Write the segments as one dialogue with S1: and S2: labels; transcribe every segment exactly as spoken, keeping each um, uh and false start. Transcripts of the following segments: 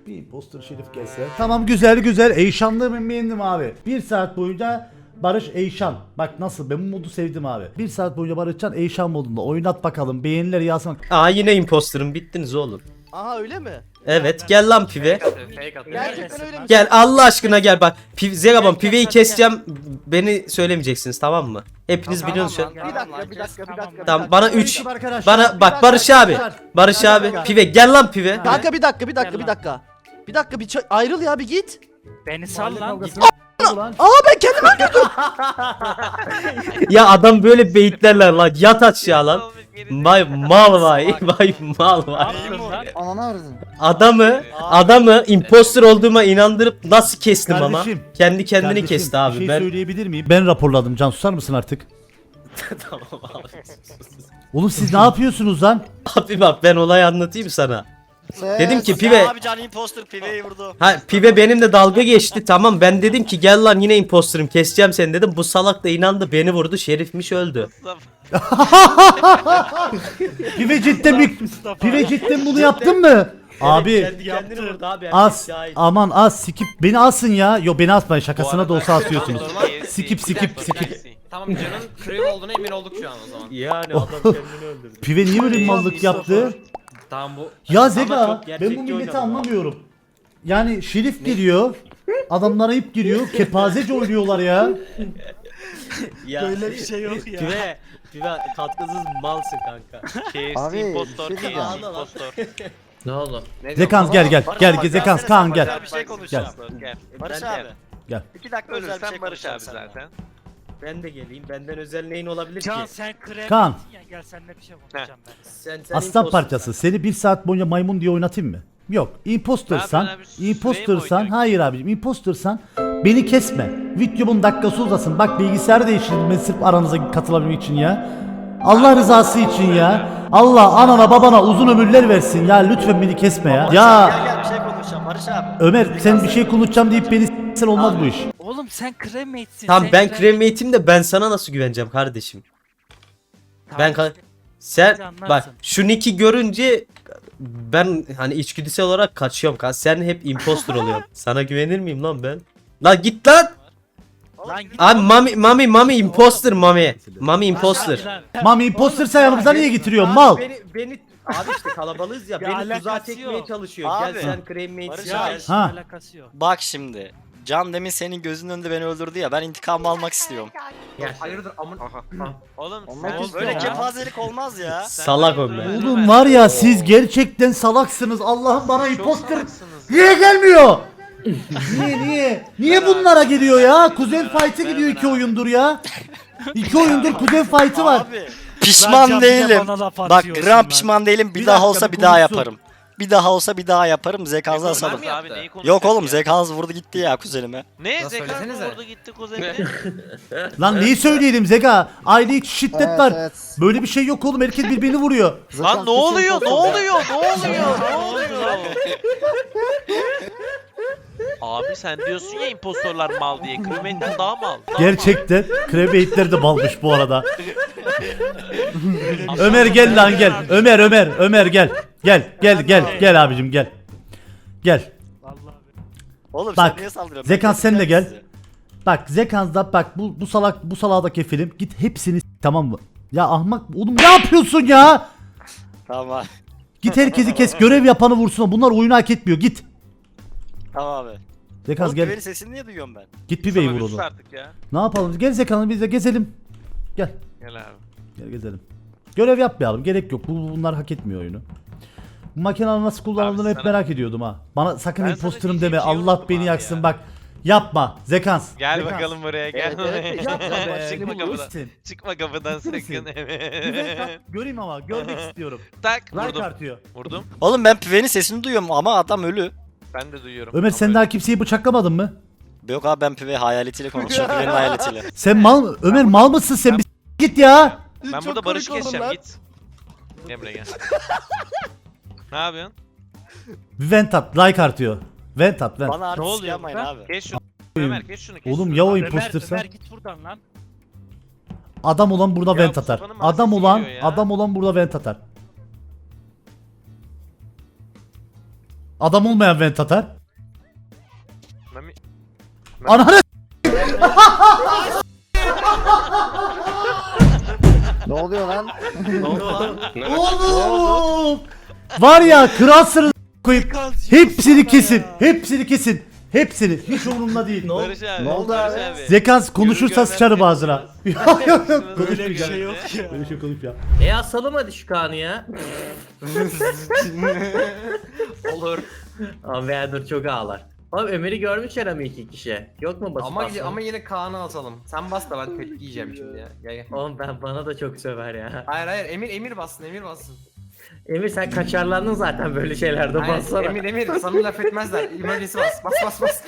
S1: Bir imposter Şerif gelse. Tamam, güzel güzel. Eyşanlı ben beğendim abi. Bir saat boyunca Barış Eyşan. Bak nasıl, ben bu modu sevdim abi. Bir saat boyunca Barışcan Eyşan modunda. Oynat bakalım. Beğeniler yazsın.
S2: Aa yine imposter'ım, bittiniz oğlum.
S3: Aha öyle mi?
S2: Evet gel lan pive.
S3: Gerçekten öyle mi?
S2: Gel Allah aşkına gel bak. Piv Zegabon piveyi keseceğim. Beni söylemeyeceksiniz tamam mı? Hepiniz biliyorsunuz.
S3: Bir dakika, bir dakika, bir dakika.
S2: Tamam bana üç.
S1: Ekip arkadaşlar,
S2: Bana
S1: bir
S2: bak
S1: dakika,
S2: Barış abi.
S1: arkadaşlar.
S2: Barış
S1: Bir
S2: abi
S1: dakika.
S2: pive gel lan pive.
S3: Kanka bir dakika, bir dakika, bir dakika. Bir dakika bir ça- ayrıl ya bir git.
S4: Beni sal lan.
S1: Kavgasına ulan.
S3: Aa ben kendimi öldürdüm.
S2: Ya adam böyle beyitlerler lan. Yat aşağı lan. Vay mal vay. Vay mal vay.
S3: Ananı aradın.
S2: Adamı adamı imposter olduğuma inandırıp nasıl kestim ama?
S1: Kardeşim,
S2: Kendi kendini
S1: Kardeşim,
S2: kesti abi.
S1: Bir şey
S2: Ben
S1: söyleyebilir miyim? Ben raporladım. Can susar mısın artık?
S2: tamam abi.
S1: Oğlum siz ne yapıyorsunuz lan?
S2: Abi bak ben olayı anlatayım sana. Dedim ki pive.
S5: Ya abi can imposter piveyi vurdu.
S2: Ha pive benimle dalga geçti tamam, ben dedim ki gel lan yine imposterım keseceğim seni dedim, bu salak da inandı beni vurdu, Şerifmiş öldü.
S1: Pive cidden mi? Pive cidden bunu yaptın mı? Abi
S2: Kendi kendini vurdu abi.
S1: as
S2: Şahit.
S1: aman as skip beni asın ya. Yo beni asmayın, şakasına da olsa asıyorsunuz. Skip skip skip.
S6: Tamam canın Crave olduğuna emin olduk şu an o zaman.
S2: Yani adam kendini öldürdü.
S1: Pive niye böyle mallık yaptı?
S6: Tamam bu.
S1: Ya
S2: Ama
S1: Zega
S2: çok
S1: ben
S2: gerçekçi
S1: bu milleti
S2: oynadı
S1: anlamıyorum. Yani Şerif giriyor. Adamlara ip giriyor. Kepazece oynuyorlar ya.
S2: Ya,
S3: Böyle bir şey yok ya.
S2: Pive, pive katkısız malsın kanka.
S3: Abi impostor,
S2: şey diyeceğim.
S5: impostor.
S6: Ne oldu?
S1: Zekans gel gel. Gel gel Zekans Kaan gel.
S5: Bir şey konuşacağım.
S2: Gel.
S5: Barış
S2: Ben de-
S5: abi.
S1: Gel.
S5: İki dakika özel bir şey
S6: Ölürsen Barış abi
S5: konuşacağım
S6: zaten.
S2: Ben de geleyim. Benden özel neyin olabilir
S4: Can
S2: ki?
S4: sen krem.
S1: Kaan.
S4: Ya, gel seninle bir şey konuşacağım ben.
S2: Sen, sen
S1: Aslan
S2: imposter.
S1: parçası. Seni bir saat boyunca maymun diye oynatayım mı? Yok. Impostersan,
S6: Ben- ben abi süreyim
S1: impostersan,
S6: oynayacak.
S1: hayır abicim, impostersan beni kesme. Videomun dakikası uzasın. Bak bilgisayarı değiştirdim ben sırf aranıza katılabilmek için ya. Allah rızası için ya. Allah anana babana uzun ömürler versin ya. Lütfen beni kesme ya.
S5: Gel
S1: Ya
S5: gel bir şey konuşacağım Barış abi.
S1: Ömer sen bir şey konuşacağım deyip beni s**sen olmaz bu iş.
S4: Oğlum sen cremate'sin.
S2: Tamam
S4: sen
S2: ben
S4: cremate-
S2: cremate'im de ben sana nasıl güveneceğim kardeşim?
S4: Tamam,
S2: Ben ka- sen
S4: Bizi anlarsın.
S2: bak şu nick'i görünce ben hani içgüdüsel olarak kaçıyorum kan. Sen hep imposter oluyorsun. Sana güvenir miyim lan ben? Lan git lan.
S4: Lan git.
S2: Abi mami mami mami imposter mami. Mami imposter.
S4: Lan.
S1: Mami impostersa yanımıza niye getiriyorsun mal?
S2: Beni beni abi işte kalabalığız ya.
S4: Bir
S2: beni tuzağa
S4: alakası
S2: çekmeye
S4: yok.
S2: çalışıyor.
S5: Abi.
S2: Gel sen cremate'sin
S5: Barış
S4: Ya
S5: abi.
S2: gel.
S4: hiç
S1: Ha.
S4: alakası yok.
S5: Bak şimdi. Can demin senin gözünün önünde beni öldürdü ya, ben intikamımı almak istiyorum.
S6: Hayırdır amın.
S5: Oğlum
S3: Olmak
S5: sen
S3: istiyor
S5: böyle
S3: ya.
S5: kepazelik olmaz ya.
S2: Salak Ömer.
S1: Oğlum var ya siz gerçekten salaksınız. Allah'ım bana imposter niye gelmiyor? Niye niye? Niye bunlara geliyor ya? Kuzen fight'e gidiyor iki oyundur ya. İki oyundur kuzen fight'ı var.
S5: Abi
S4: Lan
S5: pişman
S4: Can, bir de
S5: değilim.
S4: bana laf
S5: Bak
S4: atıyorsun
S5: gram
S4: lan.
S5: pişman değilim. Bir,
S1: Bir
S5: daha
S1: dakika,
S5: olsa
S1: bir
S5: bir daha
S1: konuşsun.
S5: yaparım. Bir daha olsa bir daha yaparım. Zekanızı asalım. Yok oğlum Zekanız vurdu gitti ya kuzenime.
S6: Ne?
S7: Nasıl
S6: Zekan
S7: söylesenize.
S6: vurdu gitti kuzenine.
S1: Lan neyi söyleyelim Zeka? Aile içi şiddet
S3: Evet,
S1: var.
S3: evet.
S1: Böyle bir şey yok oğlum. Herkes birbirini vuruyor.
S6: Lan ne oluyor? Ne oluyor? Ne oluyor? Ne oluyor? Abi sen diyorsun ya impostorlar mal diye. Crewmate'den daha mal. Daha
S1: Gerçekten Crewmate'ler de balmış bu arada. Ömer gel lan gel. Ömer Ömer Ömer gel. Gel gel gel gel abicim gel. Gel.
S4: Vallahi.
S5: Oğlum
S1: Bak,
S5: sen niye saldırıyorsun?
S1: Zekan
S5: Ben
S1: sen de
S5: keseceğim
S1: gel.
S5: sizi.
S1: Bak Zekans'da bak bu bu salak bu salağa da kefilim. Git hepsini s- tamam mı? Ya ahmak oğlum ne yapıyorsun ya?
S5: Tamam abi.
S1: Git herkesi kes. Görev yapanı vursun. Bunlar oyunu hak etmiyor. Git.
S5: Tamam abi.
S1: Zekans
S5: Oğlum
S1: gel.
S5: güveni sesini niye duyuyorum ben?
S1: Git Pive'yi
S6: Sana
S1: vur
S6: bir sus
S1: onu.
S6: artık ya.
S1: Ne yapalım? Gel Zekan'ı biz de gezelim. Gel.
S6: Gel abi.
S1: Gel gezelim. Görev yapmayalım. Gerek yok. Bu bunlar hak etmiyor oyunu. Bu makinenin nasıl kullanıldığını
S6: Abi
S1: hep
S6: sana-
S1: merak ediyordum ha. Bana sakın
S6: Ben
S1: imposterım
S6: sana
S1: deme.
S6: diyeceğim
S1: Allah
S6: şey
S1: beni
S6: unuttum
S1: yaksın
S6: abi
S1: bak. Yapma. Zekans.
S6: Gel
S1: Zekans.
S6: bakalım buraya gel.
S3: Evet, evet,
S1: Yapma be.
S6: Çıkma
S1: Bu
S6: kapıdan.
S1: üstün.
S6: Çıkma kapıdan
S1: Ciddi misin?
S6: sakın.
S1: Güzel
S6: Evet.
S1: bak, göreyim ama görmek istiyorum.
S6: Tak
S1: Like
S6: vurdum.
S1: artıyor.
S6: Vurdum.
S5: Oğlum ben Pive'nin sesini duyuyorum ama adam ölü.
S6: Ben de duyuyorum.
S1: Ömer
S6: Ama
S1: sen
S6: öyle.
S1: daha kimseyi bıçaklamadın mı?
S5: Yok abi ben Pive hayaletiyle konuşuyorum. Pive'nin hayaletiyle.
S1: Sen mal Ömer mal mısın sen? Bir s- git ya.
S6: Ben
S3: Çok
S6: burada Barış'ı
S3: komik oldun
S6: keseceğim
S3: lan.
S6: git. Gel buraya gel. Ne yapıyorsun?
S1: Bir vent at. Like artıyor. Vent at vent.
S5: Bana artist
S4: oluyor
S5: yapmayın
S4: burada?
S5: abi.
S6: Kes şunu. Ömer kes şunu kes
S1: Oğlum
S6: şunu.
S1: ya o
S4: Ömer,
S1: impostersa?
S4: Ömer git buradan lan.
S1: Adam olan burada
S6: Ya
S1: vent atar.
S6: Mustafa'nın
S1: Adam
S6: mahsesi
S1: olan
S6: geliyor ya.
S1: adam olan burada vent atar. Adam olmayan vent atar.
S6: Mami.
S1: Ananı
S3: Ne oluyor lan?
S1: oğlum. Var ya kralsınız koyup hepsini kesin. Hepsini kesin. Hepsini. Hiç umurumda değil.
S6: Barış abi.
S3: Ne oldu
S6: Barış
S3: abi?
S1: Zekans konuşursa
S6: Görür
S1: sıçarım
S6: görmez
S1: ağzına.
S6: konuşmaz.
S1: Yok yok yok.
S6: Böyle
S1: Konuşmayacağım.
S6: bir şey yok
S4: ya.
S1: Böyle şey konuşmayacağım.
S7: E asalım hadi şu Kaan'ı ya.
S8: Olur.
S7: Ama Veadur çok ağlar. Oğlum Ömer'i görmüşler ama iki kişi. Yok mu basıp
S8: Ama
S7: basın?
S8: ama yine Kaan'ı asalım. Sen bas da ben tepki yiyeceğim şimdi ya. Gel gel.
S7: Oğlum ben bana da çok söver ya.
S8: Hayır hayır Emir Emir bassın Emir bassın.
S7: Emir sen kaçarlandın zaten böyle şeylerde
S8: Hayır,
S7: bassana.
S8: Emir Emir sana laf etmezler. Emergency bas bas bas bas.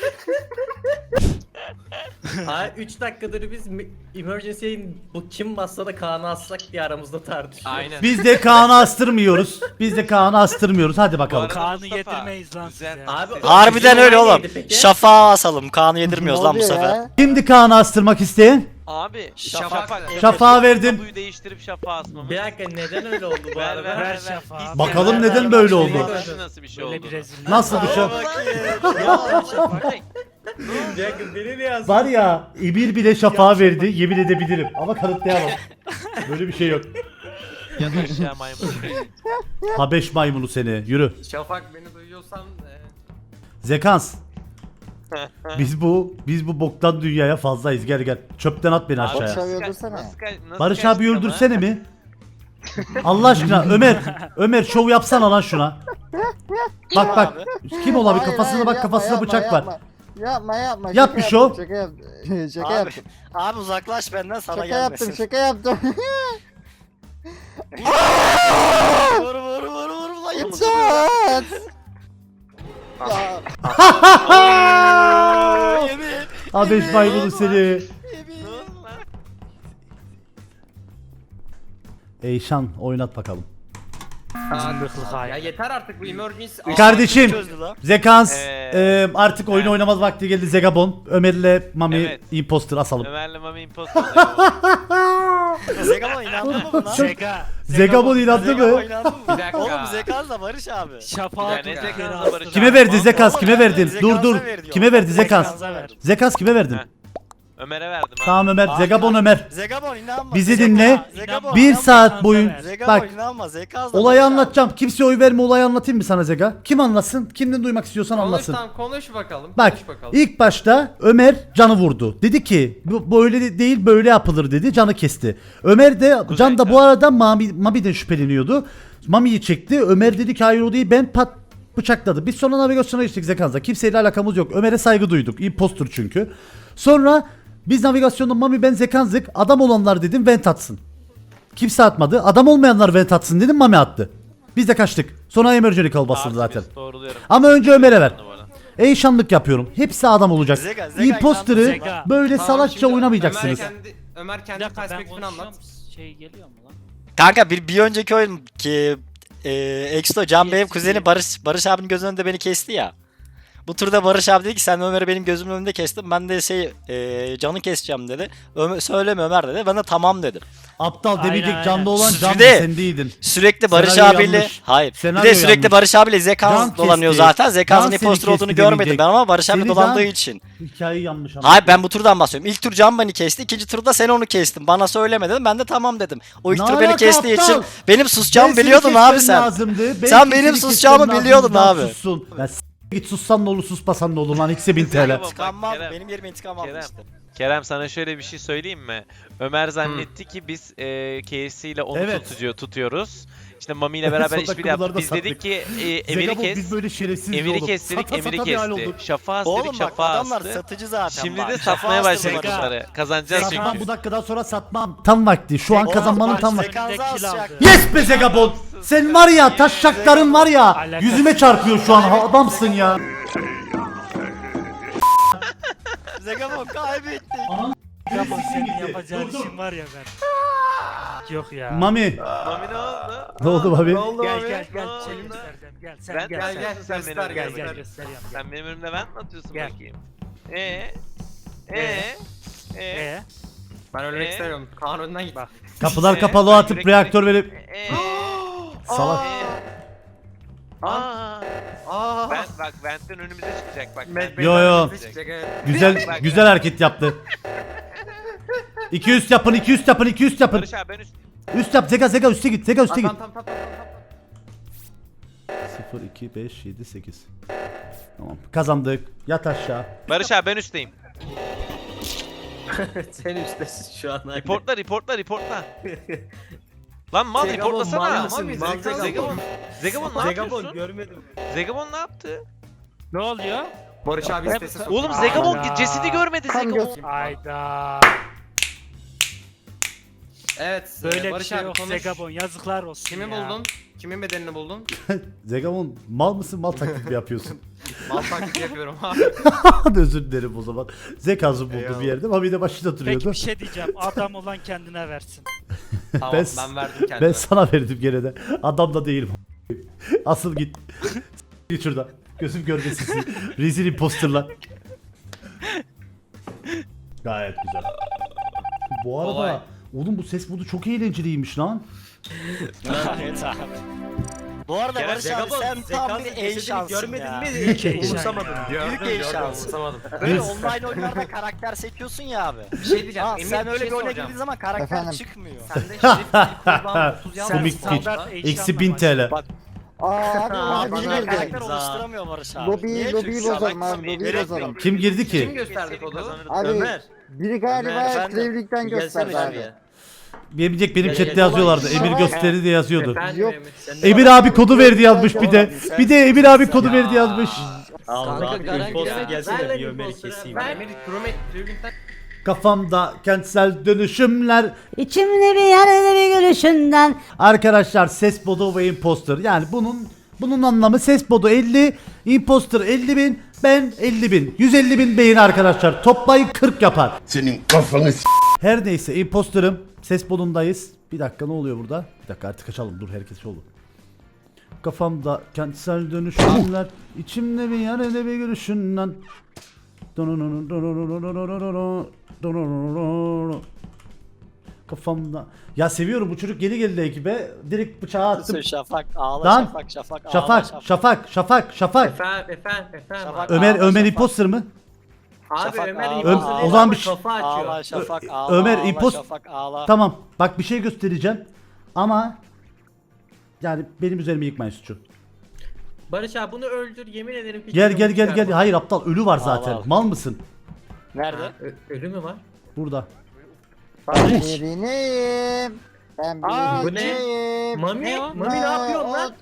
S7: Hayır üç dakikadır biz mi- emergency'ye bu kim bassa da Kaan'ı assak diye aramızda tartışıyoruz.
S6: Aynen.
S1: Biz de Kaan'ı astırmıyoruz. Biz de Kaan'ı astırmıyoruz. Hadi bakalım.
S6: arada
S4: Kaan'ı
S6: Mustafa,
S4: yedirmeyiz lan
S6: güzel.
S4: size.
S7: Abi,
S5: Harbiden
S7: bizim
S5: öyle
S7: olay
S5: oğlum.
S7: neydi peki?
S5: Şafağı asalım. Kaan'ı yedirmiyoruz lan bu sefer.
S1: Kimdi Kaan'ı astırmak isteyen?
S6: Abi
S5: Şafak.
S6: Şafak.
S1: Şafağı verdim.
S6: Tabuyu değiştirip şafağı asmamız.
S7: Bir dakika neden öyle oldu bu
S6: Ver
S7: arada?
S6: ver ver.
S4: Ver
S6: ver.
S4: şafağı.
S6: Hiç
S1: Bakalım
S6: ver,
S1: neden
S6: ver,
S1: böyle
S6: ver.
S1: oldu?
S6: Nasıl- Nasıl bir şey
S4: Böyle
S6: oldu?
S4: bir rezillik.
S1: Nasıl bir şey?
S7: Bir dakika beni ne yazdın?
S1: Var ya Emir bile şafağı verdi. Yemin edebilirim. Ama kanıtlayamam. Böyle bir şey yok.
S6: Aşağı maymun.
S1: Habeş maymunu seni. Yürü.
S8: Şafak beni duyuyorsan e,
S1: Zekans. Biz bu biz bu boktan dünyaya fazlayız. Gel gel. Çöpten at beni aşağıya.
S3: Barış abi öldürsene.
S6: Nasıl ka- nasıl
S1: Barış abi
S6: kaçtık ama?
S1: öldürsene mi? Allah aşkına Ömer. Ömer şov yapsana lan şuna. Bak bak. Kim olabilir?
S3: Hayır,
S1: Kafasına
S3: hayır,
S1: bak
S3: yapma,
S1: kafasında
S3: yapma,
S1: bıçak var.
S3: yapma. Yapma yapma.
S1: Yap
S3: şaka
S1: bir şov.
S3: yaptım, Şaka yaptım. Şaka
S5: Abi,
S3: yaptım.
S5: abi uzaklaş benden sana
S3: Şaka
S5: gelmesin.
S3: yaptım. Şaka yaptım.
S5: Vur vur vur vur lan yapma.
S3: Çat. Ya,
S5: Yemin.
S1: Habeş maymunu seni. Eyşan oynat bakalım.
S8: ya yeter artık bu emergency.
S1: Kardeşim.
S5: Çözdü lan.
S1: Zekans.
S6: Ee,
S1: e, artık oyunu
S6: evet.
S1: oynamaz vakti geldi. Zegabon. Ömer'le Mami
S6: Evet.
S1: imposter asalım.
S6: Ömer'le Mami impostor.
S5: Zegabon inandın mı buna?
S4: Zeka.
S1: Zegabon inandı
S5: Zegabon
S1: mı?
S5: inandın mı?
S8: Bir dakika.
S5: Oğlum Zekaz da Barış abi.
S4: Şafağı
S6: Ya ne
S4: tut,
S6: Zekan'la
S4: geri
S6: Barış
S4: astır.
S1: Kime
S6: abi?
S1: verdi Zekas? Kime
S5: Oğlum,
S1: verdin? Dur
S5: Zekaz'a
S1: dur.
S5: ver diyor.
S1: Kime verdi Zekas?
S4: Zekaz'a ver.
S1: Zekas kime verdin?
S6: Heh. Ömer'e verdim ha.
S1: Tamam Ömer.
S5: Abi,
S1: Zegabon Ömer.
S5: Zegabon inanma.
S1: Bizi
S5: Zegabon,
S1: dinle.
S5: Zegabon,
S1: Bir
S5: inanma.
S1: saat boyun.
S5: Zegabon
S1: Bak.
S5: inanma. Zekaz da
S1: Olayı
S5: Barış abi.
S1: anlatacağım. Kimseye oy verme, olayı anlatayım mı sana Zega? Kim anlatsın? Kimden duymak istiyorsan
S8: Konuş
S1: anlatsın.
S8: tamam konuş bakalım.
S1: Bak
S8: Konuş bakalım.
S1: ilk başta Ömer canı vurdu. Dedi ki bu böyle de- değil böyle yapılır dedi. Canı kesti. Ömer de Can da bu arada Mami, Mami'den şüpheleniyordu. Mami'yi çekti. Ömer dedi ki hayır o değil ben pat bıçakladı. Biz sonra navigasyona geçtik Zekan'da. Kimseyle alakamız yok. Ömer'e saygı duyduk. Impostor çünkü. Sonra biz navigasyonda Mami ben Zekan'zik. Adam olanlar dedim vent atsın. Kimse atmadı. Adam olmayanlar vent atsın dedim Mami attı. Biz de kaçtık. Sonra emergency call basıldı zaten.
S6: Artemis, doğruluyorum.
S1: Ama önce Ömer'e ver.
S6: Bu arada.
S1: Eyşanlık yapıyorum. Hepsi adam olacak.
S5: Zega, Zega
S1: Imposter'ı
S4: Zega.
S1: böyle
S8: Tamam,
S1: salakça
S8: şimdi
S1: oynamayacaksınız.
S8: Ömer kendi, Ömer
S4: Bir
S8: kendi
S4: dakika ben
S8: perspektifini anlat.
S4: konuşuyorum. Şey geliyor mu lan?
S5: Kanka bir, bir önceki oyun ki e, Exto Can benim kuzeni Barış Barış abinin gözünün önünde beni kesti ya. Bu turda Barış abi dedi ki sen Ömer'i benim gözümün önünde kestin. Ben de şey e, Can'ı keseceğim dedi. Ömer, söyleme Ömer dedi. Ben de tamam dedim.
S1: Aptal
S4: Aynen,
S1: demeyecek
S4: aynen.
S1: canlı olan can
S5: Bir de-
S1: sen değildin.
S5: Sürekli Barış
S1: Senaryo
S5: abiyle
S1: yanlış.
S5: hayır.
S1: Senaryo
S5: bir de sürekli
S1: yanlış.
S5: Barış abiyle Zekans
S1: Can
S5: dolanıyor
S1: kesti.
S5: zaten. Zekans'ın
S1: Can seni
S5: imposter olduğunu
S1: kesti
S5: görmedim
S1: demeyecek.
S5: ben ama Barış abi
S1: Seni
S5: dolandığı
S1: Can-
S5: için.
S1: Hikayeyi yanlış anladın.
S5: Hayır ben bu turdan bahsediyorum. İlk tur Can beni kesti. İkinci turda sen onu kestin. Bana söyleme dedim. Ben de tamam dedim. O ilk
S1: Ne
S5: tur beni
S1: alaka
S5: kestiği
S1: aptal?
S5: için benim susacağımı
S1: Ben seni
S5: biliyordun
S1: kesmem
S5: abi sen.
S1: lazımdı. Ben
S5: Sen
S1: seni
S5: benim
S1: kesmem
S5: susacağımı
S1: lazımdı,
S5: biliyordun
S1: Can
S5: abi.
S1: sussun. Ya s- git sussan ne olur susmasan ne olur lan ikisi bin T L.
S6: Bak,
S5: İntikam aldı.
S6: Kerem.
S5: Benim yerime intikam
S6: Kerem.
S5: almıştı.
S6: Kerem sana şöyle bir şey söyleyeyim mi? Ömer zannetti ki biz e, K F C ile onu
S1: Evet.
S6: tutuyor, tutuyoruz. İşte Mami ile beraber
S1: Son
S6: işbirliği yaptık.
S1: dakikalarda
S6: Biz
S1: sattık.
S6: dedik ki e, Emir'i
S1: Zegabon,
S6: kes.
S1: biz böyle şerefsiz
S6: Emir'i
S1: oğlum.
S6: kes dedik,
S1: Sata
S6: Emir'i
S1: sata bir hal
S6: kesti.
S1: olduk.
S6: Şafağı
S5: Oğlum
S6: istedik,
S5: bak
S6: şafağı
S5: adamlar
S6: astı.
S5: satıcı zaten
S6: Şimdi
S5: bak.
S6: de
S5: Şafağı
S6: satmaya
S5: astı
S6: başladık
S5: bunlar.
S6: bunları. Kazanacağız
S1: Satmam
S6: çünkü.
S1: bu dakikadan sonra satmam. Tam vakti. Şu an
S5: Oğlum,
S1: kazanmanın
S5: bak,
S1: tam vakti.
S5: Zekansı
S4: Zekans
S5: asacak.
S4: aldı.
S1: Yes be Zegabon. Sen var ya taşşakların var ya
S4: Alakası
S1: yüzüme çarpıyor şu an. Ha, adamsın ya.
S5: Zegabon kaybettik.
S4: Yapma senin yapacağın işin var ya ben. Yok ya.
S1: Mami.
S6: Mami ne oldu?
S1: Ne oldu Mami?
S4: Gel gel gel
S6: Ne
S4: seni
S6: oldu?
S4: göstereceğim. Gel sen
S6: Ben
S4: gel.
S6: gel
S4: sen.
S6: gel sen
S8: göster,
S6: benim
S4: Gel
S6: önümde.
S4: gel gösteriyorum. Gel.
S6: Sen benim önümde ben mi atıyorsun
S4: Gel.
S6: bakayım? Ee? Ee? Ee?
S4: Ee?
S8: Ben ölmek
S6: Ee?
S8: istemiyorum. Kaan önden git.
S4: Bak.
S1: Kapılar
S6: Ee,
S1: kapalı
S6: ben
S1: atıp
S6: direkt-
S1: reaktör verip
S6: Ee?
S1: salak.
S6: Aa! Aa!
S8: Aa.
S6: Ben bak Vent'ten önümüze çıkacak bak.
S8: Met-
S6: Vent'ten
S1: Yo, yo.
S6: önümüze çıkacak.
S8: Evet.
S1: Güzel
S6: Bak,
S1: güzel hareket yaptı. iki üst yapın, iki üst yapın, iki üst yapın.
S6: Barış abi ben üst.
S1: Üst yap, Zeka Zeka üste git, Zeka üste git.
S8: Tamam tamam tamam tamam.
S1: sıfır, iki, beş, yedi, sekiz. Tamam kazandık. Yat aşağı.
S6: Barış abi ben üstteyim.
S2: Sen üsttesin şu an.
S6: Reportla reportla reportla. Lan mal reportlasana. Zegabon. Zegabon ne yapıyorsun?
S2: görmedim.
S6: Zegabon ne yaptı?
S4: Ne oluyor?
S8: Barış abi istesi soktu.
S6: Oğlum Zegabon
S4: Aa.
S6: cesedi görmedi Zegabon.
S4: Ayda.
S8: Evet.
S4: Böyle bir
S8: Barış
S4: şey
S8: abi
S4: yok
S8: konuş.
S4: Zegabon, yazıklar olsun
S8: Kimi
S4: ya.
S8: buldun? Kimin bedenini buldun?
S1: Zegamon mal mısın, mal taklidi mi yapıyorsun?
S8: Mal taklidi yapıyorum abi.
S1: Özür dilerim o zaman. Zekası buldu
S8: Eyvallah.
S1: bir yerde ama bir de başında duruyordu.
S4: Peki bir şey diyeceğim. Adam olan kendine versin.
S8: Tamam
S1: Ben-
S8: ben, verdim kendime.
S1: Ben sana verdim gene de. Adam da değilim. Asıl git. Git şuradan. Gözüm görmesin. Rezil imposterlar. Gayet güzel. Bu arada
S8: Olay.
S1: oğlum bu ses modu çok eğlenceliymiş lan.
S4: Evet abi.
S5: Bu arada
S6: Kerem,
S5: Barış abi sen tam bir E şansın
S2: görmedin
S5: ya.
S2: mi?
S4: Büyük heyecan.
S2: Umursamadım.
S5: Büyük E şansı.
S8: Unutamadım.
S5: Böyle
S1: Bir-
S5: online oyunlarda karakter seçiyorsun ya abi.
S8: Bir şey diyeceğim.
S5: Ha,
S8: Emir,
S5: sen
S8: bir
S5: öyle
S8: şey
S5: bir oyuna
S8: soracağım.
S5: girdiğin zaman karakter
S9: Efendim?
S5: çıkmıyor.
S8: Sende şerif değil kulağın otuz yazmış.
S1: Komik
S4: standart
S1: geç.
S4: eşyanla
S1: Eksi bin T L.
S5: Bak
S9: Aa abi
S5: abi
S9: bana
S5: yine
S9: girdi.
S5: karakter oluşturamıyor Barış abi.
S9: Lobi
S5: Niye?
S9: lobi
S5: Çünkü
S9: bozalım
S5: salak-
S9: abi lobi
S6: Gerek
S9: bozalım.
S6: yok.
S1: Kim girdi
S8: Kim
S1: ki?
S8: gösterdi kodu?
S9: Abi
S2: Ömer.
S9: biri galiba
S5: Efendim?
S9: Krevlik'ten gösterdi abi.
S1: Bilecek benim
S2: Gel,
S1: chatte
S2: gel.
S1: yazıyorlardı.
S9: Olay-
S1: Emir gösteri diye yazıyordu.
S8: Efendim
S9: Yok.
S8: Emir.
S1: Emir abi kodu verdi yazmış bir de. Bir de Emir abi kodu verdi yazmış.
S2: Allah
S3: Kanka, garanti
S2: imposter
S3: ya.
S2: gelsene
S7: Ver lan
S2: bir Ömer'i
S7: imposter'ı,
S2: keseyim.
S7: ver.
S2: ya.
S8: Emir Promet Tribünden
S1: Kafamda kentsel dönüşümler.
S10: İçimde bir yerde bir gülüşünden.
S1: Arkadaşlar ses modu ve imposter. Yani bunun bunun anlamı ses modu elli, imposter elli bin, ben elli bin. yüz elli bin beyin arkadaşlar. Toplayın kırk yapar.
S11: Senin kafanı s-
S1: Her neyse imposter'ım. Ses modundayız. Bir dakika ne oluyor burada? Bir dakika artık açalım. Dur herkes oldu. Kafamda kentsel dönüşümler. İçimde bir yerde bir gülüşünden. Kafamda. Ya seviyorum bu çocuk yeni geldi ekibe. Direkt bıçağı attım.
S5: Şafak ağla
S1: Lan.
S5: şafak şafak ağla
S1: Şafak, şafak, şafak, şafak.
S7: Efendim efendim efendim.
S5: Şafak.
S1: Ömer,
S5: Ağla,
S1: Ömer
S5: şafak.
S1: imposter mı?
S7: Abi
S5: Şafak,
S7: Ömer
S5: ağla,
S7: imposter
S1: ağla.
S7: değil
S1: O zaman
S7: ama
S1: bir şey-
S7: kafa açıyor.
S5: Ağla şafak
S1: Ö-
S5: ağla
S1: Ömer,
S5: ağla,
S1: impos-
S5: şafak ağla.
S1: Tamam. Bak bir şey göstereceğim. Ama yani benim üzerime yıkmayın suçu.
S7: Barış abi bunu öldür yemin ederim ki.
S1: Gel gel
S7: canımı
S1: gel gel.
S7: çıkarma.
S1: Hayır aptal ölü var zaten.
S5: Al, al.
S1: Mal mısın?
S5: Nerede?
S7: Ha, ö- ölü mü var?
S1: Burada.
S9: Birineyim. Ben
S7: Aa, bu ne?
S9: birineyim.
S7: Mami,
S4: Ne o?
S7: Mami ne yapıyorsun lan?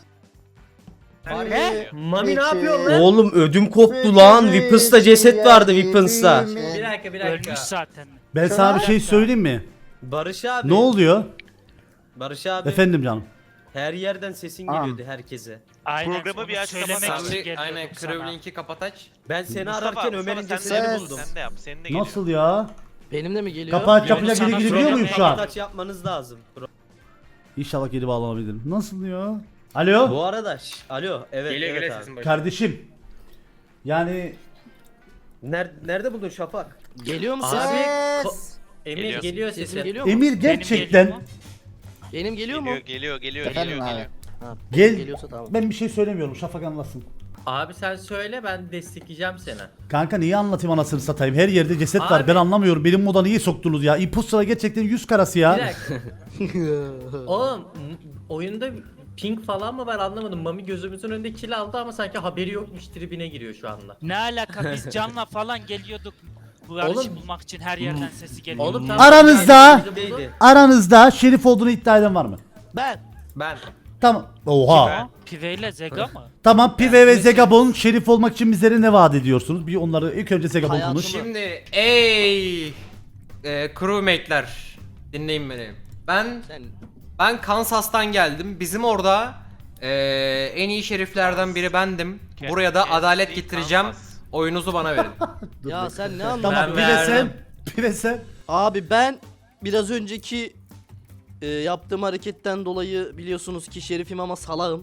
S9: Ne?
S7: Mami ne yapıyorsun lan?
S2: Oğlum ödüm koptu lan. Weapons'ta ceset vardı Weapons'ta.
S7: Bir dakika bir dakika.
S4: Ölmüş zaten.
S1: Ben sana bir şey söyleyeyim mi?
S2: Barış abi.
S1: Ne oluyor?
S2: Barış abi.
S1: Efendim canım.
S2: Her yerden sesin
S9: Aa.
S2: geliyordu herkese.
S4: Aynen.
S6: Programı
S4: onu
S6: bir aç,
S4: söylemek
S6: kapat
S4: için
S8: Sen bir
S4: geliyordum
S8: aynen
S4: sana.
S8: Krevlink'i kapat aç.
S2: Ben seni
S6: Mustafa,
S2: ararken
S6: Mustafa,
S2: Ömer'in
S6: sen de
S2: cesedini
S6: yap,
S2: buldum.
S6: Sen de yap. Senin de geliyor.
S1: Nasıl ya?
S3: Benim de mi geliyor?
S1: Kapağı
S4: Yok,
S1: yapınca
S4: sana
S1: geri girebiliyor
S4: söyleme.
S1: muyum şu an?
S2: Taç yapmanız lazım.
S1: İnşallah geri bağlanabilirim. Nasıl ya? Alo?
S2: Bu arada şş, alo evet
S8: Geliyor
S2: evet
S8: geliyor
S2: abi.
S8: sesin başı.
S1: Kardeşim. Yani
S2: Nerede, nerede buldun Şafak?
S3: Geliyor mu
S7: Abi
S3: sesim?
S7: ko- Emir
S6: Geliyor.
S7: geliyor
S3: Sesim
S7: sesin.
S3: geliyor mu?
S1: Emir
S4: Benim
S1: gerçekten
S4: geliyor mu?
S3: Benim geliyor mu?
S6: Geliyor geliyor geliyor
S9: Efendim
S6: geliyor
S9: abi.
S6: geliyor.
S3: Ha,
S1: gel.
S3: Geliyorsa tamam.
S1: Ben bir şey söylemiyorum. Şafak anlasın.
S7: Abi sen söyle ben destekleyeceğim seni.
S1: Kanka niye anlatayım anasını satayım? Her yerde ceset var.
S7: Abi.
S1: Ben anlamıyorum. Benim moda niye soktunuz ya? Imposter'a gerçekten yüz karası
S7: Bir
S1: ya.
S7: dakika. Oğlum m- oyunda pink falan mı var anlamadım. Mami gözümüzün önünde kill aldı ama sanki haberi yokmuş tribine giriyor şu anda.
S4: Ne alaka biz canla falan geliyorduk. Bu yarışı
S7: Oğlum-
S4: bulmak için her yerden sesi geliyor.
S7: Oğlum tamam.
S1: Aranızda-
S7: Yani bizi buldu.
S2: Neydi?
S1: Aranızda şerif olduğunu iddia eden var mı?
S3: Ben.
S8: Ben.
S1: Tamam. Oha.
S4: Ha? Pive ile Zega mı?
S1: Tamam Pive ve Zegabon şerif olmak için bizlere ne vaat ediyorsunuz? Bir onları ilk önce Zegabon
S3: Hayatım-
S1: konuş.
S8: Şimdi ey e, crewmate'ler dinleyin beni. Ben
S3: Sen
S8: ben Kansas'tan geldim. Bizim orada e, en iyi şeriflerden biri bendim. Buraya da
S6: Kes-
S8: adalet
S6: kes-
S8: getireceğim.
S6: Kansas.
S8: Oyunuzu bana verin.
S3: ya sen ne anladın?
S1: Tamam
S7: Ben
S1: Pive sen.
S7: verdim.
S1: Pive sen.
S3: Abi ben biraz önceki e, yaptığım hareketten dolayı biliyorsunuz ki şerifim ama salağım.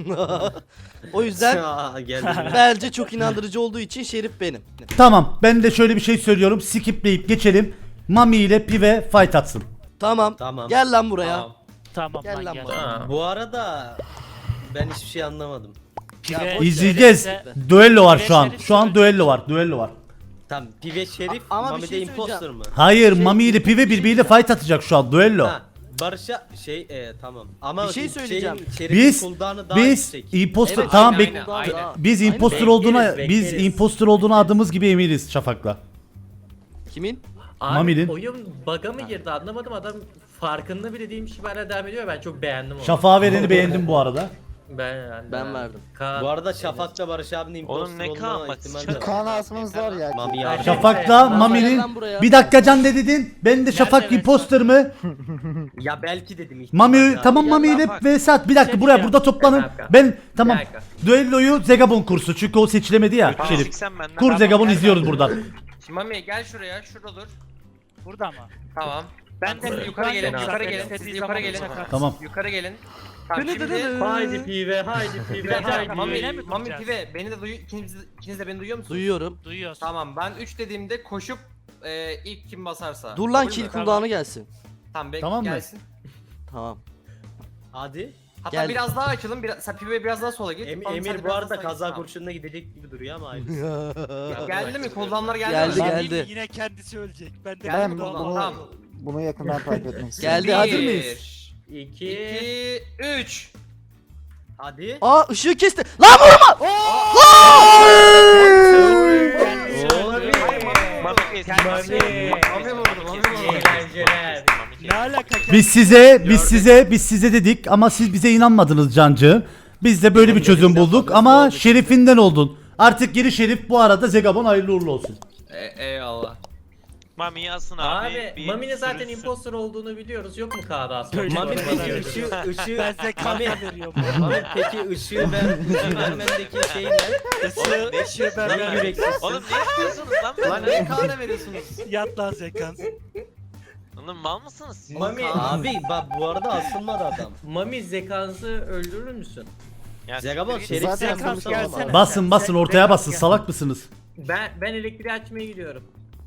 S3: O yüzden
S2: Aa, geldi.
S3: bence çok inandırıcı olduğu için şerif benim.
S1: Tamam ben de şöyle bir şey söylüyorum. Skipleyip geçelim. Mami ile Pive fight atsın.
S3: Tamam.
S2: Tamam.
S3: Gel lan buraya.
S2: Tamam.
S4: Tamam
S3: Gel
S4: lan
S3: lan
S4: gel.
S3: bana.
S7: Ha.
S2: Bu arada ben hiçbir şey anlamadım.
S4: Pive,
S1: İzleyeceğiz.
S4: Şerif'te-
S1: Düello var şu an.
S4: Şerif
S1: Şu an
S4: Şerif.
S1: düello var. Düello var.
S2: Tamam Pive Şerif,
S3: A- ama bir
S2: Mami de
S3: şey
S2: imposter
S3: söyleyeceğim.
S2: mı?
S1: Hayır,
S3: Şey-
S1: Mami ile Pive birbiriyle fight atacak şu an. Düello.
S2: Ha, Barış'a şey e, tamam. Ama
S3: Bir şey söyleyeceğim.
S2: Şeyin, Şerif'in
S1: Biz
S2: cooldown'ı daha
S1: biz
S2: yüksek.
S1: imposter
S3: Evet,
S1: tamam
S3: aynen,
S1: bek
S3: aynen, aynen.
S1: biz
S3: Aynen.
S1: imposter
S2: Bekleriz,
S1: olduğuna biz
S2: bekleriz.
S1: imposter olduğuna adımız gibi eminiz Şafak'la.
S3: Kimin?
S7: Abi
S1: Mami'nin.
S7: oyun bug'a mı girdi anlamadım, adam farkında bile değilmiş gibi hala devam ediyor, ben çok beğendim onu.
S1: Şafak'a vereni beğendim bu arada.
S7: Ben, ben,
S3: Ben verdim.
S7: Kaan-
S2: Bu arada Şafak'la Barış abinin imposter
S6: Oğlum ne
S2: olma
S6: Kaan bak,
S2: ihtimali
S6: sıçan-
S2: de var.
S9: Kaan asmamız var ya.
S2: Mami ya.
S1: Şafak'la
S3: Ben
S1: Mami'nin
S3: geldim buraya.
S1: bir dakika Can ne dedin? Ben de Şafak
S4: evet,
S1: imposter mı?
S2: Ya belki dedim ihtimal
S1: Mami
S2: ya.
S1: tamam
S3: gel
S1: Mami ile
S6: bak.
S1: Vesat bir dakika
S7: Şey
S1: buraya
S7: diyeceğim.
S1: burada toplanın.
S7: Bir dakika.
S1: Ben tamam.
S7: Bir dakika.
S1: Düelloyu Zegabon kursu çünkü o seçilemedi ya
S6: Tamam,
S1: Şerif.
S6: siksen benden.
S1: Kur Zegabon izliyoruz buradan.
S8: Şimdi Mami gel şuraya, şurada dur.
S4: Burada mı?
S8: Tamam.
S4: Ben de
S8: Siz yukarı gelin,
S4: Ben de-
S8: yukarı
S4: Ben de-
S8: gelin, siz yukarı gelin.
S1: Tamam.
S8: Yukarı gelin. Tamam
S3: Dını
S8: şimdi...
S3: dını dını.
S7: Haydi pive, haydi
S8: Bir
S7: pive,
S8: dakika,
S7: haydi.
S8: Mami,
S4: Yine mi
S8: Mami
S4: duracağız?
S8: Pive, beni de duyu, ikiniz, ikiniz de beni duyuyor musunuz?
S3: Duyuyorum.
S4: Duyuyorsun.
S8: Tamam, ben üç dediğimde koşup e, ilk kim basarsa.
S3: Dur lan
S8: Kabul
S3: kill
S8: mü?
S3: cooldown'u gelsin.
S8: Tamam, bek
S1: Tamam mı?
S8: gelsin.
S3: Tamam.
S2: Hadi.
S8: Hatta
S3: Gel.
S8: biraz daha açalım, biraz, sen Pive biraz daha sola git.
S2: Em-
S8: Tamam, sen de
S2: Emir bu
S8: biraz
S2: arada
S8: daha sağa
S2: kaza
S8: git, tamam.
S2: kurşununa gidecek gibi duruyor ama hayır.
S8: Ya, geldi mi? Cooldown'lar geldi,
S3: Geldi,
S8: mi?
S3: geldi.
S4: Mami Yine kendisi ölecek. Ben de
S8: Geldi
S9: Ben
S8: mi
S9: bunu,
S8: cooldown?
S9: bunu,
S8: Tamam.
S9: bunu yakından takip etmek istiyorum.
S3: Geldi, hazır mıyız?
S8: Bir,
S7: İki.
S8: iki, üç.
S2: Hadi.
S3: Aa ışığı kesti. Lan vurma!
S6: Mami kes.
S8: Mami vurdu, Mami vurdu.
S7: Eğlenceler.
S4: Ne alaka?
S1: Biz size biz size biz size dedik ama siz bize inanmadınız Cancı. Biz de böyle bir çözüm bulduk ama Şerif'inden oldun. Artık geri Şerif bu arada Zegabon hayırlı uğurlu olsun.
S8: E, eyvallah.
S6: Mami yazsın abi.
S7: Abi
S6: bir
S7: Mami'nin zaten
S6: sürünsün.
S7: imposter olduğunu biliyoruz, yok mu K'da aslında?
S4: Böyle
S2: Mami
S4: bana
S2: peki
S4: veriyor.
S2: ışığı ışığı
S4: Ben size
S2: Mami,
S4: kahve veriyorum.
S2: Mami peki ışığı ver ışığı vermendeki şey ne?
S4: Işığı, ışığı ben
S2: Lan
S4: verdim.
S2: yüreksiz.
S6: Oğlum ne yapıyorsunuz lan
S8: Lan
S6: benden?
S8: niye kahve veriyorsunuz?
S4: Yat lan Zekans.
S6: Oğlum mal mısınız?
S7: Mami,
S2: Abi bak bu arada asılmadı adam.
S7: Mami zekansı öldürür müsün?
S6: Ya
S2: Zegabon
S6: siktir git.
S2: Şerif
S9: Zaten
S2: sen
S4: Zekans
S2: bulsana
S4: gelsene.
S2: ama.
S1: Basın basın ortaya basın
S7: Gel.
S1: salak mısınız?
S7: Ben ben elektriği açmaya gidiyorum.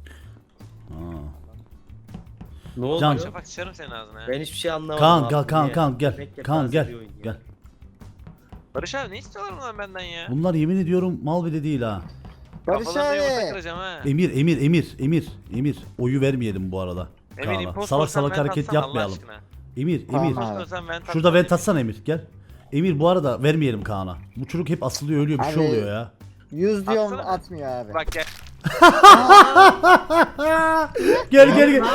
S2: Ne oldu?
S1: Can.
S6: Şafak sıçarım senin ağzına ya.
S2: Ben hiçbir şey anlamadım.
S1: Kaan
S2: abi,
S1: gel Kaan
S2: niye?
S1: Kaan gel.
S2: Bekle,
S1: Kaan
S2: taze
S1: gel.
S2: bir oyun ya.
S1: Gel.
S6: Barış abi ne istiyorlar lan benden ya?
S1: Bunlar yemin ediyorum mal bile değil ha.
S9: Barış
S6: Kafalarına yumurta
S9: abi.
S6: kıracağım ha.
S1: Emir Emir Emir Emir Emir oyu vermeyelim bu arada.
S6: Emir
S1: Kaan'a.
S6: impostor
S1: Salak
S6: olsan
S1: salak
S6: vent
S1: hareket
S6: atsana Allah
S1: yapmayalım.
S6: aşkına.
S1: Emir
S9: Tamam
S1: Emir.
S9: abi.
S6: İmpostor olsan vent
S1: Şurada
S6: atsana.
S1: vent atsana Emir gel. Emir bu arada vermeyelim Kaan'a. Bu çocuk hep asılıyor ölüyor bir şey
S9: Abi-
S1: oluyor ya.
S9: Yüz diyorum
S6: Atsana.
S9: atmıyor abi.
S6: Bak gel.
S1: Gel gel gel.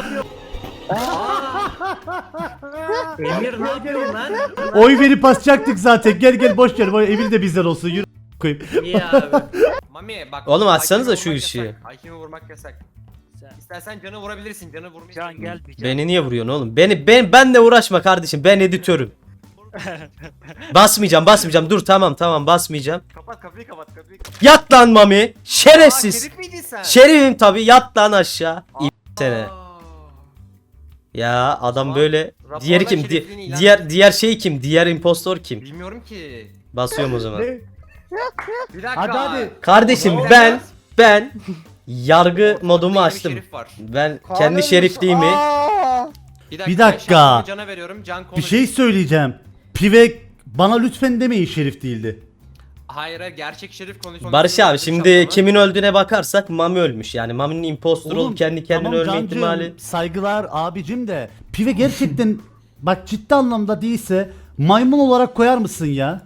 S7: Emir ne yapıyorsun lan?
S1: Oy verip basacaktık zaten. Gel gel boş ver. Boy- Emir de bizden olsun. Yürü koyayım.
S7: İyi abi.
S8: Mami bak.
S2: Oğlum açsanıza
S8: Hakimi
S2: şu
S8: vurmak
S2: ışığı.
S8: yasak, Hakimi vurmak yasak.
S4: Sen-
S8: İstersen canı vurabilirsin. Canı vurmayı.
S4: Can gel bir can.
S2: Beni niye vuruyorsun oğlum? Beni ben benle uğraşma kardeşim. Ben editörüm. Basmayacağım, basmayacağım. Dur tamam tamam basmayacağım.
S8: Kapat kapıyı kapat kapıyı. kapat.
S2: Yat lan Mami.
S8: Aa,
S2: Şerefsiz.
S8: Şerif miydin sen?
S2: Şerifim tabi. Yat lan aşağı. İyi sene.
S8: Aa.
S2: Ya adam
S8: Tamam.
S2: böyle.
S8: Raporla
S2: Diğeri kim? Di-
S8: şerefliğini ilan
S2: diğer diğer şey kim? Diğer impostor kim?
S8: Bilmiyorum ki.
S2: Basıyorum o zaman.
S8: Bir dakika.
S1: Hadi hadi.
S2: Kardeşim
S8: O zaman
S2: ben ben yargı modumu
S8: Ortada
S2: açtım.
S8: bir şerif var.
S2: Ben
S9: Kaan
S2: kendi
S9: ölmüş.
S2: şerifliğimi
S9: Aa!
S8: Bir
S1: Bir dakika.
S8: şahsımı Can'a veriyorum. Can konuş.
S1: Bir şey söyleyeceğim. Pive bana lütfen demeyin Şerif değildi.
S8: Hayır hayır gerçek şerif konuşmak.
S2: Barış abi şimdi kimin öldüğüne bakarsak Mami ölmüş. Yani Mami'nin impostor
S1: Oğlum,
S2: olup kendi kendine
S1: tamam
S2: ölme
S1: Cancığım,
S2: ihtimali.
S1: saygılar abicim de. Pive gerçekten bak ciddi anlamda değilse maymun olarak koyar mısın ya?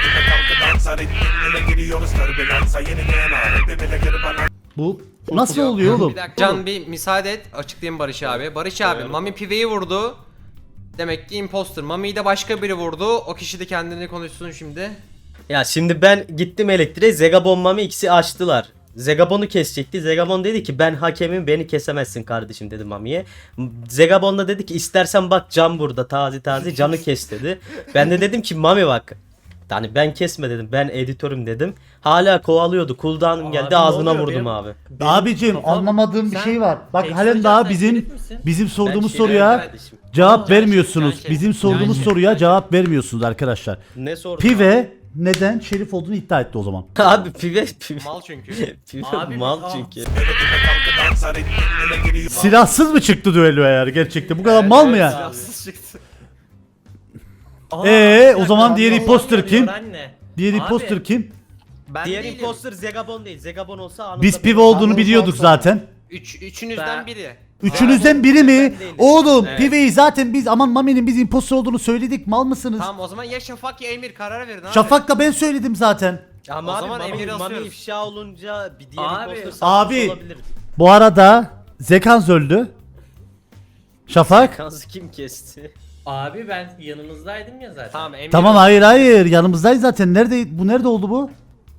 S1: Bu nasıl oluyor oğlum?
S8: Bir dakika. Can bir müsaade et. Açıklayayım Barış abi. Barış abi Mami Pive'yi vurdu. Demek ki imposter. Mami'yi de başka biri vurdu. O kişi de kendini konuşsun şimdi.
S2: Ya şimdi ben gittim elektriğe, Zegabon Mami ikisi açtılar. Zegabon'u kesecekti. Zegabon dedi ki ben hakemim, beni kesemezsin kardeşim dedi Mami'ye. Zegabon da dedi ki istersen bak Can burada taze taze Can'ı kes dedi. Ben de dedim ki Mami bak. Yani ben kesme dedim, ben editörüm dedim. Hala kovalıyordu, cooldown'um
S7: Abi
S2: geldi
S7: ne
S2: ağzına
S7: oluyor?
S2: vurdum
S7: Benim-
S2: abi.
S7: Benim
S1: Abicim
S7: kafam-
S1: anlamadığım bir
S7: Sen
S1: şey var. Bak
S7: ekstra
S1: halen daha
S7: sen
S1: bizim
S7: şerif misin?
S1: bizim sorduğumuz
S2: Ben
S1: soruya
S2: kardeşim.
S1: cevap
S8: Can
S1: vermiyorsunuz.
S8: Şerif, Can
S1: Bizim
S8: Şerif.
S1: sorduğumuz
S8: Can
S1: soruya
S8: Şerif.
S1: cevap vermiyorsunuz arkadaşlar.
S2: Ne sordun?
S1: Pive neden Şerif olduğunu iddia etti o zaman.
S2: Abi pive pive.
S8: Mal çünkü.
S2: Pive
S7: Abi,
S2: mal
S7: aa.
S2: çünkü.
S1: Silahsız mı çıktı düello eğer gerçekten? Bu kadar mal mı ya?
S8: Silahsız çıktı.
S7: Aa,
S1: Ee,
S7: bir
S1: o
S7: dakika,
S1: zaman diğer
S7: Allah
S1: imposter
S7: Allah
S1: kim?
S7: diyor Anne.
S1: Diğer
S7: Abi,
S1: imposter kim?
S3: Ben
S2: Diğer
S3: değilim.
S2: imposter Zegabon değil. Zegabon olsa anında
S1: Biz
S2: belli.
S1: pive olduğunu
S9: Anladım,
S1: biliyorduk
S9: sonra.
S1: zaten.
S8: Üç, üçünüzden
S7: Ben-
S8: biri.
S1: Üçünüzden biri mi?
S2: Ben değilim.
S1: Oğlum
S2: Evet.
S1: piveyi zaten biz aman Mami'nin biz imposter olduğunu söyledik. Mal mısınız?
S8: Tamam o zaman ya Şafak ya Emir karar verin abi.
S1: Şafak'la ben söyledim zaten.
S2: Ama
S8: O
S2: abi
S8: zaman
S2: Mami,
S8: Emir'i
S2: Mami
S8: asıyoruz.
S2: ifşa olunca bir diğer
S7: Abi.
S2: imposter satmış
S1: Abi.
S2: olabilir.
S1: Bu arada Zekans öldü. Şafak.
S2: Kansı kim kesti?
S7: Abi ben yanınızdaydım ya zaten.
S8: Tamam Emir.
S1: Tamam hayır hayır yanımızdayız zaten. Nerede bu nerede oldu bu?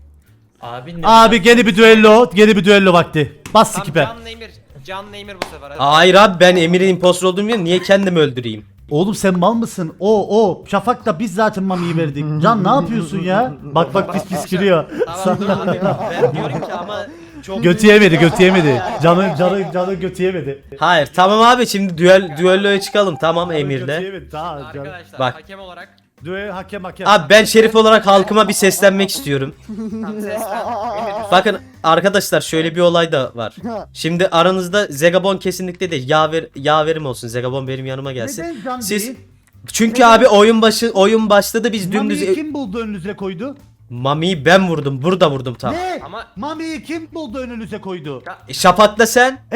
S7: Abi ne?
S1: Abi gene bir düello, gene bir düello vakti. Bas
S8: Tamam
S1: skipe.
S8: Can'la Emir. Can'la Emir bu sefer. Hadi.
S2: Hayır abi ben Emir'in imposter olduğunu bilmiyorum. Niye kendimi öldüreyim?
S1: Oğlum sen mal mısın? O o Şafak da biz zaten Mami'yi verdik. Can ne yapıyorsun ya? Bak bak pis pis gülüyor.
S8: Tamam dur
S2: Abi
S8: dur.
S2: ben diyorum ki ama çok...
S1: Götü yemedi, götü yemedi. Canı canı canı götü yemedi.
S2: Hayır tamam abi şimdi düel düelloya çıkalım tamam
S1: Götü
S2: Emir'le.
S1: yemedi, tamam canım.
S8: Arkadaşlar
S2: Bak.
S8: hakem olarak.
S1: Düel hakem hakem.
S2: Abi ben şerif olarak halkıma bir seslenmek istiyorum.
S8: Tamam seslen. Emir.
S2: Bakın arkadaşlar şöyle bir olay da var. Şimdi aranızda Zegabon kesinlikle değil. Yaver yaverim olsun. Zegabon benim yanıma gelsin.
S1: Neden can
S2: Siz
S1: değil?
S2: çünkü
S1: Neden?
S2: abi oyun başı oyun başladı biz dümdüz
S1: Mami'yi kim buldu önünüze koydu?
S2: Mami'yi ben vurdum. Burada vurdum tam.
S1: Ne?
S8: Ama
S1: Mami'yi kim buldu önünüze koydu?
S2: E, Şafak'la sen.
S1: E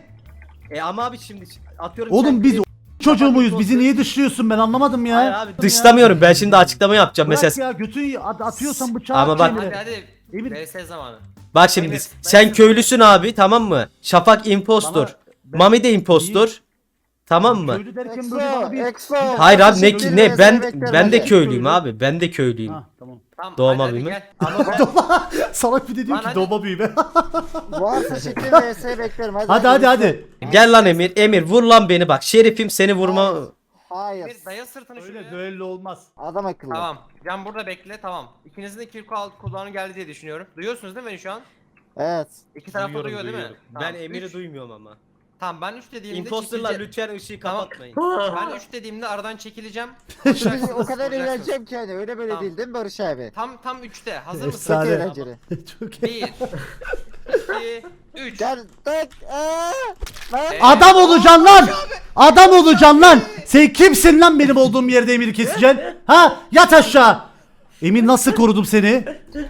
S2: E ama abi şimdi atıyorum
S1: oğlum
S2: sen-
S1: biz o- çocuğu muyuz?
S2: Şafak
S1: Bizi niye dışlıyorsun ben anlamadım ya.
S2: Hayır abi dışlamıyorum. Ben şimdi açıklama yapacağım
S1: Bırak
S2: mesela.
S1: ya götü at- atıyorsan bıçağı
S2: Ama
S1: at
S2: bak-
S1: kendine.
S8: hadi hadi.
S1: Emir-
S8: V S zamanı.
S2: Bak şimdi
S8: Emir,
S2: sen
S8: ben-
S2: köylüsün abi tamam mı? Şafak impostor.
S1: Bana- ben-
S2: Mami de impostor. Tamam mı?
S1: Köylü derken böyle bana
S9: Exo,
S1: bir...
S9: Exo.
S2: Hayır abi ne
S9: Teşekkür
S2: ne
S9: ederim,
S2: ben
S9: beklerim
S2: ben de
S9: hadi.
S2: köylüyüm abi. Ben de köylüyüm.
S1: Ha tamam.
S8: Tamam,
S2: Doğma
S8: hadi, hadi
S2: büyüme.
S8: gel.
S2: Ama ben
S1: Salak bir de diyor
S8: Lan
S1: ki
S8: hadi.
S1: doğma büyüme.
S9: Varsa şekil V S beklerim. Hadi
S1: hadi hadi hadi.
S2: gel lan Emir. Emir vur lan beni bak. Şerifim seni vurma.
S9: Hayır.
S8: Emir daya sırtını
S1: Öyle
S8: şuraya.
S1: düello olmaz.
S9: Adam akıllı.
S8: Tamam. Can burada bekle tamam. İkinizin de kill kulağını geldi diye düşünüyorum. Duyuyorsunuz değil mi beni şu an?
S9: Evet.
S8: İki taraf da
S2: Duyuyorum,
S8: duyuyor değil mi?
S2: duyuyorum.
S8: Tamam,
S2: Ben Emir'i
S8: üç.
S2: duymuyorum ama.
S8: Tamam ben üç dediğimde
S2: Imposterlar
S8: çekilece-
S2: lütfen ışığı
S8: Tamam.
S2: kapatmayın.
S8: Ben üç dediğimde aradan çekileceğim.
S9: Şimdi o kadar
S8: Vuracaksınız.
S9: eğleneceğim ki hani öyle böyle
S8: Tamam.
S9: değil değil mi Barış abi?
S8: Tam tam üçte. Hazır mısın?
S9: Çok
S1: Efsane.
S9: eğlenceli.
S1: Çok
S8: Bir, iki, üç.
S9: Gel tak. Aa, lan.
S1: Adam olacaksın lan. Adam olacaksın lan. Sen kimsin lan benim olduğum yerde Emir'i keseceksin? Ha? Yat aşağı. Emin nasıl korudum seni?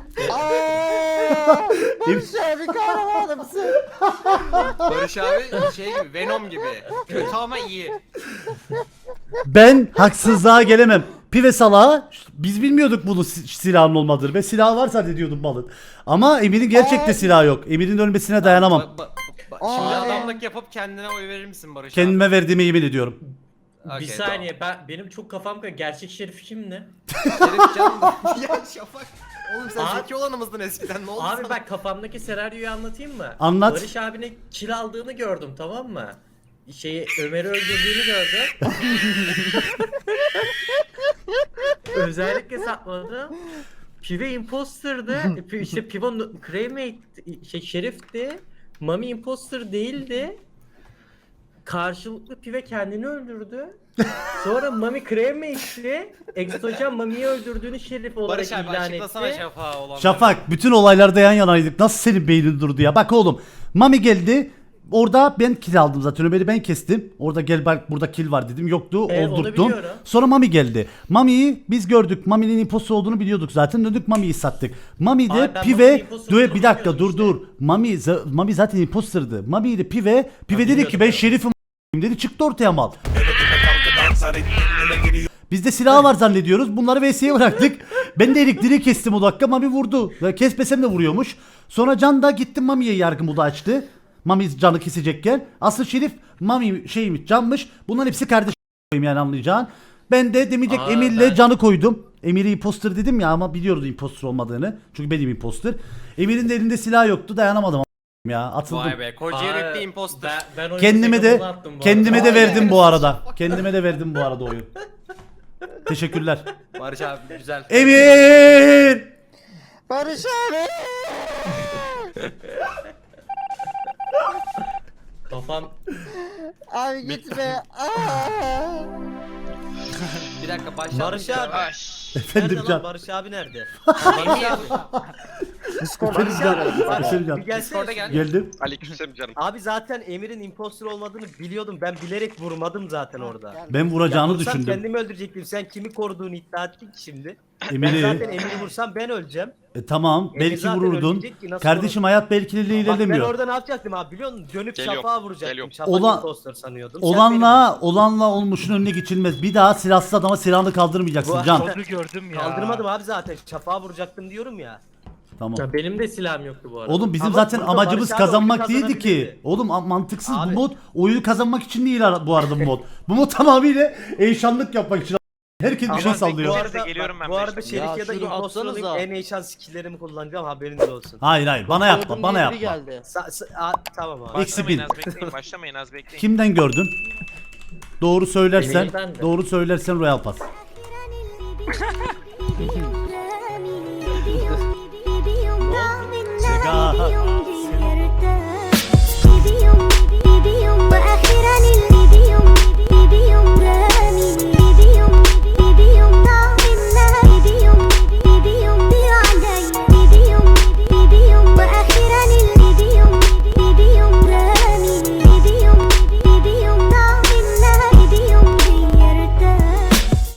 S9: Aa, Barış abi kahramanımsın.
S8: Barış abi şey gibi Venom gibi. Kötü ama iyi.
S1: Ben haksızlığa gelemem. Pive salağı biz bilmiyorduk bunun si- silahın olmadığını. Ben silahı var zannediyordum malın. Ama Emir'in gerçekte
S9: Ay.
S1: silahı yok. Emir'in ölmesine dayanamam.
S8: Ba- ba- ba- Şimdi
S9: Ay.
S8: adamlık yapıp kendine oy verir misin Barış abi?
S1: Kendime verdiğime yemin ediyorum.
S7: Bir
S8: Okey,
S7: saniye ben benim çok kafam karıştı. Gerçek şerif kim ne?
S8: tamam. Şerif Can. Ya Şafak. Oğlum sen
S7: Abi-
S8: zeki olanımızdın eskiden ne oldu
S7: Abi
S8: sana?
S7: bak kafamdaki senaryoyu anlatayım mı?
S1: Anlat.
S7: Barış abine kill aldığını gördüm tamam mı? Şeyi Ömer'i öldürdüğünü gördüm. Özellikle sakladım. Pive imposter'dı. Pi- işte Pivo cremate şey şerifti. Mami imposter değildi. Karşılıklı Pive kendini öldürdü. Sonra Mami cremate'ti. Exocan Mami'yi öldürdüğünü şerif olarak
S8: Barış abi
S7: ilan
S8: açıklasana
S7: etti.
S8: Şafak'a olanları.
S1: Şafak bütün olaylarda yan yanaydık. Nasıl senin beynin durdu ya? Bak oğlum. Mami geldi. Orada ben kill aldım zaten. Ömer'i ben kestim. Orada gel bak burada kill var dedim. Yoktu.
S7: Evet, onu
S1: Oldurttum.
S7: biliyorum.
S1: Sonra Mami geldi. Mami'yi biz gördük. Mami'nin imposter olduğunu biliyorduk zaten. Döndük Mami'yi sattık. Mami de
S7: Abi ben Mami'nin
S1: Pive
S7: imposter
S1: Dö-
S7: olduğunu
S1: bir dakika dur
S7: bilmiyordum
S1: dur. Mami za- Mami zaten imposter'dı. Mami ile Pive Pive dedi
S7: biliyordum
S1: ki ben
S7: ben.
S1: şerifim dedi çıktı ortaya mal. Bizde silah var zannediyoruz. Bunları V S'ye bıraktık. Ben de elektriği kestim o dakika. Mami vurdu. Ya kesmesem de vuruyormuş. Sonra Can da gitti Mami'ye yargı modu açtı. Mami canı kesecekken. Asıl Şerif Mami şeymiş Can'mış. Bunların hepsi kardeş yani anlayacağın. Ben de demeyecek
S7: Aa,
S1: Emir'le
S7: ben-
S1: Can'ı koydum. Emir'i imposter dedim ya ama biliyordu imposter olmadığını. Çünkü benim imposter. Emir'in de elinde silah yoktu. Dayanamadım a- ya. Atıldım.
S8: Vay be koca
S7: Aa,
S8: yürekli imposter.
S7: Ben, ben oyunu
S1: Kendime de
S7: Zegabon'a attım bu
S1: kendime
S7: arada.
S1: de verdim bu arada. Kendime de verdim bu arada oyun. Teşekkürler.
S8: Barış abi güzel.
S1: Emin!
S9: Barış abi.
S7: Kafam
S9: Abi gitme. Aa.
S8: Bir dakika başla.
S2: Barış abi.
S1: Efendim
S2: Nerede
S1: Can.
S2: lan Barış abi nerede? Barış abi.
S9: Discord'a
S2: Barış abi,
S9: gidiyor.
S2: bak,
S1: Selimcan.
S2: bir gelsene.
S8: Discord'a gel.
S1: Geldim.
S6: Aleykümselam canım.
S2: Abi zaten Emir'in imposter olmadığını biliyordum. Ben bilerek vurmadım zaten orada.
S1: Ben vuracağını
S2: Ya vursam
S1: düşündüm.
S2: kendimi öldürecektim. Sen kimi koruduğunu iddia ettin ki şimdi. Ben
S1: Emir'i.
S2: zaten Emir'i vursam ben öleceğim.
S1: E, tamam
S2: Emir
S1: belki
S2: zaten
S1: vururdun.
S2: ölecek ki, nasıl
S1: Kardeşim hayat belkililiği
S2: Bak ben
S1: ilerlemiyor.
S2: orada ne yapacaktım abi biliyor musun? Dönüp
S6: Geliyorum,
S2: Şafak'a vuracaktım.
S6: geliyorum.
S2: Şafak
S1: Olan-
S2: imposter sanıyordum. Sen
S1: Olanla olanla olmuşun önüne geçilmez. Bir daha silahsız adama silahını kaldırmayacaksın
S2: Bu-
S1: Can.
S4: Onu gördüm
S2: beni
S4: ya.
S2: kaldırmadım abi zaten. Şafak'a vuracaktım diyorum ya.
S1: Tamam.
S7: Ya benim de silahım yoktu bu arada.
S1: Oğlum bizim
S2: Ama
S1: zaten
S2: burada
S1: amacımız
S2: Barış abi
S1: kazanmak
S2: oyunu
S1: değildi ki.
S2: kazanabilirdi.
S1: Oğlum a- mantıksız
S2: Abi.
S1: bu mod. Oyunu kazanmak için değil ara- bu arada bu mod. Bu mod tamamıyla eşanlık yapmak için. Herkes bir
S2: Ama
S1: şey
S2: bu
S1: sallıyor.
S2: arada,
S6: Geliyorum ben
S2: bu arada
S6: beş
S2: Şerif
S3: Ya
S2: ya da
S3: şunu
S2: imposter olayım
S3: atsanıza.
S2: en iyi şans skill'lerimi kullanacağım haberiniz olsun.
S1: Hayır hayır bana yapma
S3: Gördüm
S1: bana
S3: diye biri
S1: yapma.
S3: geldi.
S2: Sa- sa- a- tamam abi.
S1: Eksi
S6: Başlamayın
S1: bin.
S6: az bekleyin. Başlamayın az bekleyin.
S1: Kimden gördün? Doğru söylersen,
S7: Emir'den de.
S1: doğru söylersen Royal Pass.